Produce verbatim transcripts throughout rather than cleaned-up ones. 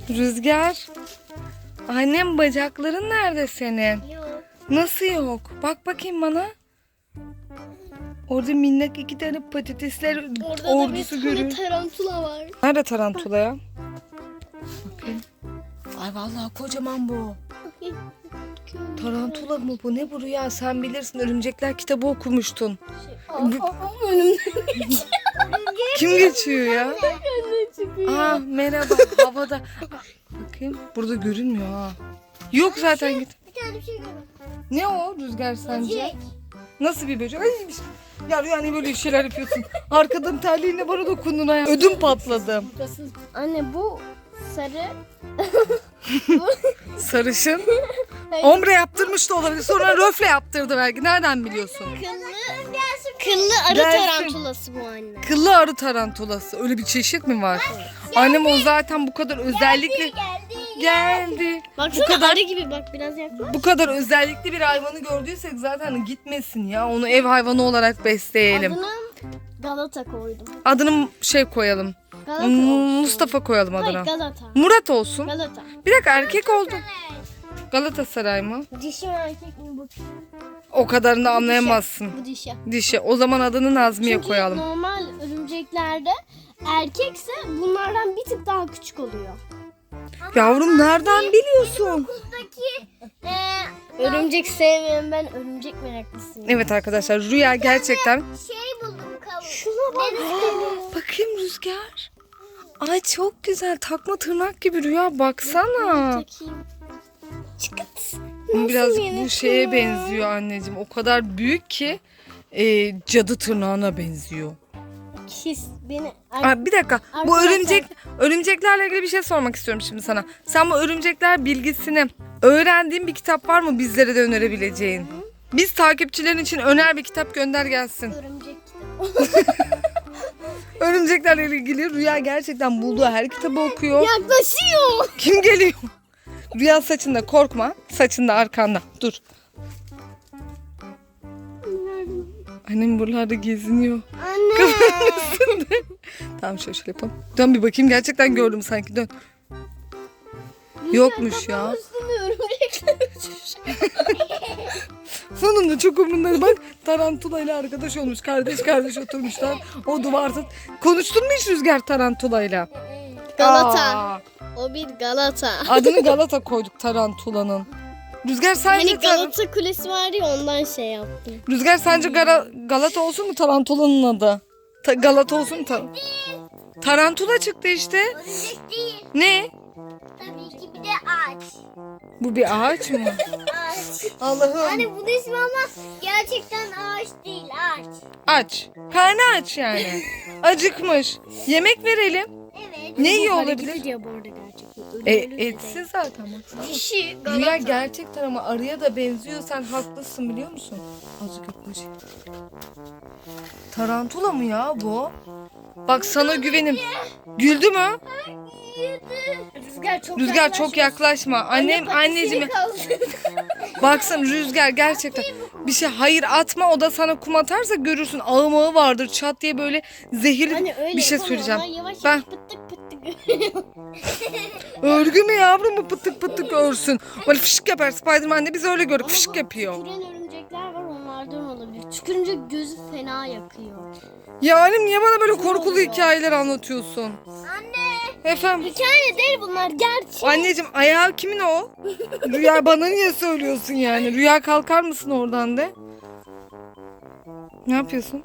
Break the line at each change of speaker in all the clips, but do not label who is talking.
Rüzgar. Annem bacakların nerede senin?
Yok.
Nasıl yok? Bak bakayım bana. Orada minnak iki tane patatesler
Orada da bir
ordusu
tane
görüyorum.
tarantula var.
Nerede tarantula ya? Bakayım. Ay vallahi kocaman bu. Tarantula mı bu? Ne bu Rüya? Sen bilirsin. Örümcekler kitabı okumuştun.
Önümde
Kim geçiyor ya?
çıkıyor.
Aa merhaba. Havada. Bakayım. Burada görünmüyor ha. Yok zaten git.
Bir tane bir şey görüyorum.
Ne o Rüzgar sence?
Böcek.
Nasıl bir böcek? Ay, ya Rüya ne böyle şeyler yapıyorsun? Arkadan terliğinle bana dokundun ha. Ödüm patladı.
Anne bu sarı.
Sarışın. Ombre yaptırmış da olabilir. Sonra röfle yaptırdı belki. Nereden biliyorsun?
Kıllı, kıllı arı
Gelsin.
tarantulası bu anne.
Kıllı arı tarantulası. Öyle bir çeşit mi var? Annem o zaten bu kadar özellikle geldi.
Baksana
Bu kadar
arı gibi bak biraz yaklaş.
bu kadar özellikli bir hayvanı gördüysek zaten gitmesin ya. Onu ev hayvanı olarak besleyelim.
Adını Galata koydum.
Adını şey koyalım.
Galata
Hmm,
olsun.
Mustafa koyalım
Hayır
adına.
Galata.
Murat olsun.
Galata.
Bir dakika erkek oldu. Galatasaray mı?
Dişi mi erkek mi bu?
O kadarını da anlayamazsın.
Bu dişi.
Dişi. O zaman adını Nazmiye
Çünkü
koyalım.
normal örümceklerde erkekse bunlardan bir tık daha küçük oluyor.
Yavrum nereden biliyorsun?
Örümcek sevmeyen ben örümcek meraklısıyım.
Evet arkadaşlar Rüya gerçekten.
Şey buldum kavuk. Şuna bak.
Bakayım Rüzgar. Ay çok güzel takma tırnak gibi Rüya baksana.
Takayım. Çıkıt.
Biraz
yeni
bu şeye
tırnak?
benziyor anneciğim. O kadar büyük ki e, cadı tırnağına benziyor.
His beni.
Aa, bir dakika. Bu
Arkadaşlar-
örümcek örümceklerle ilgili bir şey sormak istiyorum şimdi sana. Sen bu örümcekler bilgisini öğrendiğin bir kitap var mı bizlere de önerebileceğin? Biz takipçilerin için öner bir kitap gönder gelsin.
Örümcek kitabı.
Örümceklerle ilgili Rüya gerçekten bulduğu her kitabı okuyor.
Yaklaşıyor.
Kim geliyor? Rüya saçında korkma. Saçında arkanda. Dur. Annem buralarda geziniyor.
Anne.
Tamam şöyle şöyle yapalım. Dön bir bakayım. Gerçekten gördüm sanki. Dön. Yokmuş ya.
Üstünde örümcekler uçuşuyor.
Sonunda çok umurumda. Bak tarantula ile arkadaş olmuş. Kardeş kardeş oturmuşlar. O duvarda. Konuştun mu hiç Rüzgar tarantulayla?
Galata.
Aa,
O bir Galata.
adını Galata koyduk tarantulanın. Rüzgar sence,
Hani Galata Kulesi var ya ondan şey yaptım.
Rüzgar sence Gara- Galata olsun mu tarantulanın adı? Ta- Galata olsun mu? Ta- Tarantula çıktı işte.
Örümcek değil.
Ne?
Tabii ki bir de ağaç.
Bu bir ağaç mı?
Ağaç.
Allah'ım.
Hani bu ismi ama gerçekten ağaç değil ağaç.
Aç. Karnı aç yani. Acıkmış. Yemek verelim.
Evet.
Ne iyi olabilir?
Diye bu arada gerçekten.
E,
Ölümlü de
etsin zaten. Baksana.
değil. Dişi
Rüya
Galata.
gerçekten ama arıya da benziyor. Sen haklısın biliyor musun? Azıcık yaklaş. Tarantula mı ya bu? Bak sana güvenim. Güldü mü?
Rüzgar çok
Rüzgar çok yaklaşma. Annem anneciğim baksana Rüzgar gerçekten bir şey hayır atma o da sana kum atarsa görürsün ağım ağı vardır çat diye böyle zehirli
Hani öyle
bir şey
yapamam.
söyleyeceğim.
Ben yavaş
Ben
yavaş pıttık pıttık.
örgü mü yavrum mu pıtık pıtık örsün. Böyle fışık yapar Spiderman de biz öyle gördük
Ama
fışık
bu
yapıyor.
tüküren örümcekler var onlardan olabilir. Tükürünce gözü fena yakıyor.
Ya annem niye bana böyle
Kör
korkulu
oluyor.
hikayeler anlatıyorsun?
Anne.
Efendim
Hikaye değil bunlar gerçek.
anneciğim ayağı kimin o? Rüya bana niye söylüyorsun yani? Rüya kalkar mısın oradan de? Ne yapıyorsun?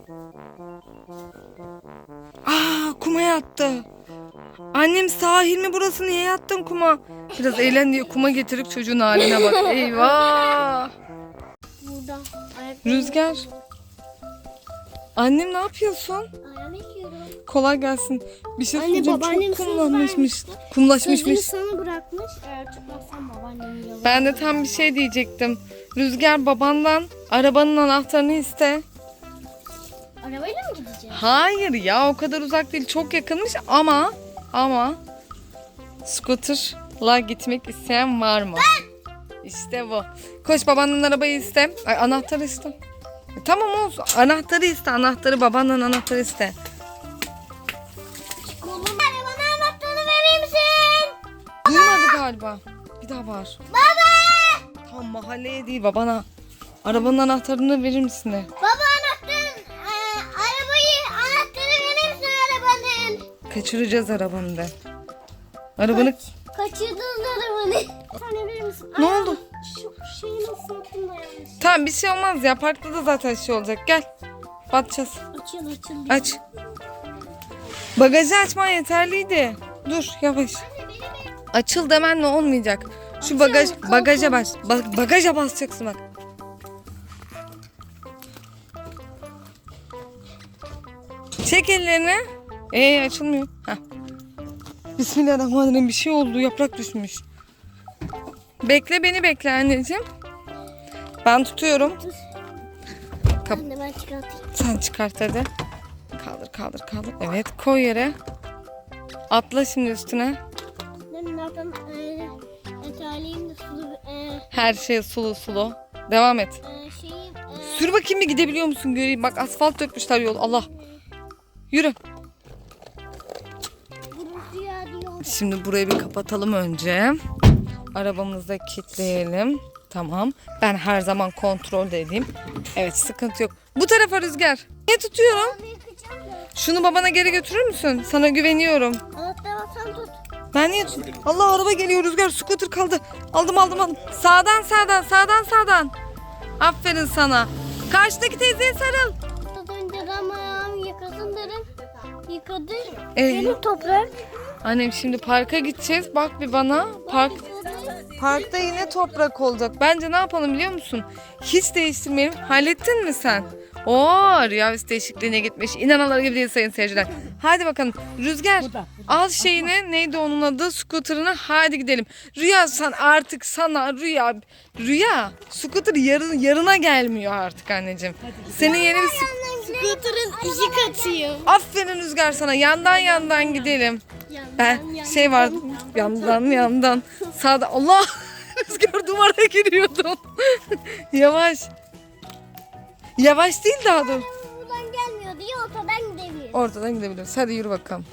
Aa kuma yattı. Annem sahil mi burası niye yattın kuma? Biraz eğlen diye kuma getirip çocuğun haline bak. Eyvah.
Burada. Ayak
Rüzgar. Annem ne yapıyorsun?
ayağımı yıkıyorum.
Kolay gelsin. Bir şey
Anne,
söyleyeceğim.
babaannem
Çok
söz
kumlanmışmış.
Sözünü
Kumlaşmışmış.
sana bırakmış. Eğer tutmazsan babaannemin yalan.
Ben de tam bir şey diyecektim. Rüzgar babandan arabanın anahtarını iste.
Arabayla mı gideceğiz?
Hayır ya o kadar uzak değil. Çok yakınmış ama ama scooter'la gitmek isteyen var mı? İşte bu. Koş babanın arabayı iste. Ay anahtarı iste. E, tamam olsun. Anahtarı iste. Anahtarı babandan anahtarı iste.
Kolum. Bana anahtarını verir misin?
galiba. Bir daha var. Baba! Tam mahalleye değil babana. Arabanın anahtarını verir misin de?
Baba anahtarın, e, arabayı, anahtarı verir misin arabanın?
Kaçıracağız arabanı de. Arabanı...
Kaçırdın arabanı. Sen verir misin?
Ne
Aa,
oldu?
Şu şeyi nasıl yaptın da yanlış.
Tamam bir şey olmaz ya. Parkta da zaten şey olacak. Gel. Batacağız.
Açıl açıl.
Aç. Bagajı açman yeterliydi. Dur yavaş. Açıl demenle olmayacak. Şu bagaj bagaja bas. Ba- bagaja basacaksın bak. Çek ellerini. Ee açılmıyor. Heh. Bismillahirrahmanirrahim, bir şey oldu. Yaprak düşmüş. Bekle beni bekle anneciğim. Ben tutuyorum. Kap-
Anne ben çıkartayım.
Sen çıkart hadi. Kaldır kaldır kaldır. Evet koy yere. Atla şimdi üstüne.
Ben nereden e, etaleyim de sulu e,
Her şey sulu sulu. Devam et.
e, şeyi e,
Sür bakayım bir gidebiliyor musun göreyim. Bak asfalt dökmüşler yol. Allah. Yürü.
gurultu ya diyor.
Şimdi burayı bir kapatalım önce. Arabamızı da kilitleyelim. Tamam. Ben her zaman kontrol de edeyim. Evet sıkıntı yok. Bu tarafa Rüzgar. Niye tutuyorum?
Abi yıkayacağım da.
Şunu babana geri götürür müsün? Sana güveniyorum.
Anahtarı sen tut.
Ben niye tut? Allah araba geliyor Rüzgar. Scooter kaldı. Aldım aldım aldım. Sağdan sağdan sağdan sağdan. Aferin sana. Karşıdaki teyzeye sarıl.
Az önce de ama ayağımı yıkasın dedim. Yıkadı.
Ee?
Benim toprak.
Annem şimdi parka gideceğiz. Bak bir bana. Park Parkta yine toprak olacak. Bence ne yapalım biliyor musun? Hiç değiştirmeyelim. Hallettin mi sen? Oo, Rüya üst değişikliğine gitmiş. İnanılır gibi değil sayın seyirciler. Hadi bakalım. Rüzgar al şeyini. Neydi onun adı? Scooter'ını. Hadi gidelim. Rüya sen artık sana Rüya. Rüya. Scooter yarın, yarına gelmiyor artık anneciğim. Senin yeni bir
Scooter'ın iki katıyım.
Aferin Rüzgar sana. Yandan yandan gidelim. Ben şey var yandan yandan sağda Allah Rüzgar duvara giriyordum. Yavaş. Yavaş değil daha dur.
Buradan gelmiyor diye ortadan gidebilir.
Ortadan gidebiliriz. Hadi yürü bakalım.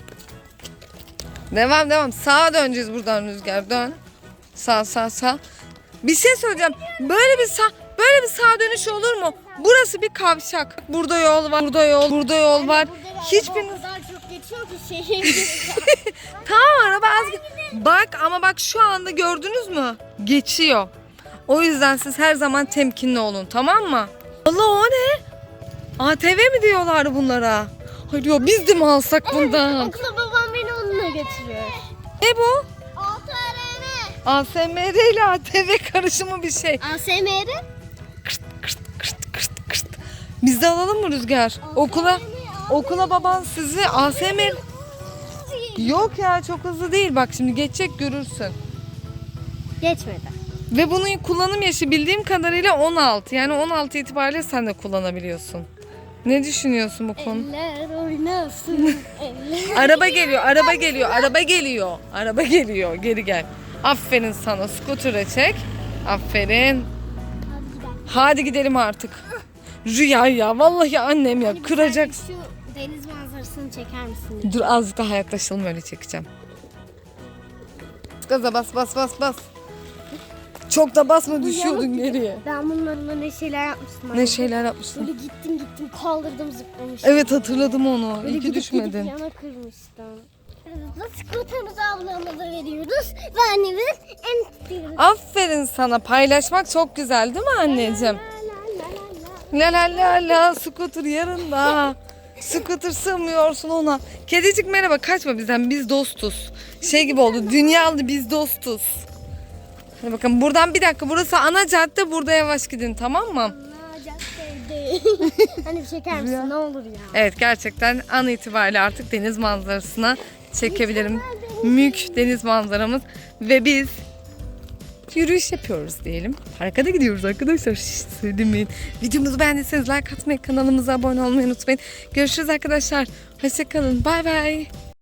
Devam devam. Sağa döneceğiz buradan Rüzgar. Dön. Sağ sağ sağ. Bir şey söyleyeceğim. Böyle bir sağ böyle bir sağ dönüş olur mu? Burası bir kavşak. Burada yol var. Burada yol. Burada yol var. Hiçbiriniz
O kadar çok geçiyor ki şehir.
Tamam araba az. Bak ama bak şu anda gördünüz mü? Geçiyor. O yüzden siz her zaman temkinli olun, tamam mı? Allah o ne? A T V mi diyorlar bunlara? Hayır diyor biz de mi alsak bundan?
Okula babam beni onunla götürüyor.
Ne bu?
A T R M.
A S M R ile A T V karışımı bir şey.
A S M R?
Kırt kırt kırt kırt kırt. Biz de alalım mı Rüzgar? Okula okula baban sizi A S M R... Yok ya çok hızlı değil, bak şimdi geçecek görürsün.
Geçmedi.
Ve bunun kullanım yaşı bildiğim kadarıyla on altı. Yani on altı itibariyle sen de kullanabiliyorsun. Ne düşünüyorsun bu konu?
Eller oynasın. Eller.
Araba geliyor, araba geliyor, araba geliyor. Araba geliyor, geri gel. Aferin sana, scooter'ı çek. Aferin.
Hadi gidelim.
Hadi gidelim artık. Rüya ya, vallahi annem ya, kıracak.
Şu deniz manzarasını çeker misin?
Dur azıcık daha yaklaşalım, öyle çekeceğim. Gaza bas bas bas bas. Çok da basma, düşüyordun geriye.
Ben bunlarla ne şeyler yapmıştım.
Ne şeyler yapmışsın?
Böyle gittim gittim kaldırdım zıplamıştım.
Evet hatırladım onu.
Böyle
İyi ki
gidip
düşmedin.
gidip yana kırmıştım. Skuterimizi ablamıza veriyoruz. Ve annemiz en tutuyoruz.
Aferin sana. Paylaşmak çok güzel değil mi anneciğim? La la la la, scooter yarında. Scooter sığmıyorsun ona. Kedicik merhaba, kaçma bizden, biz dostuz. Şey gibi oldu, dünyalı biz dostuz. Hadi bakın buradan bir dakika, burası ana cadde, burada yavaş gidin, tamam mı?
Aa, caddeydi. Hani bir çeker misin ne olur ya.
Evet gerçekten an itibariyle artık deniz manzarasına çekebilirim. Mük deniz manzaramız ve biz yürüyüş yapıyoruz diyelim. Parka da gidiyoruz arkadaşlar. Şişt, söylemeyin. Videomuzu beğendiyseniz like atmayı, kanalımıza abone olmayı unutmayın. Görüşürüz arkadaşlar. Hoşçakalın. Bay bay.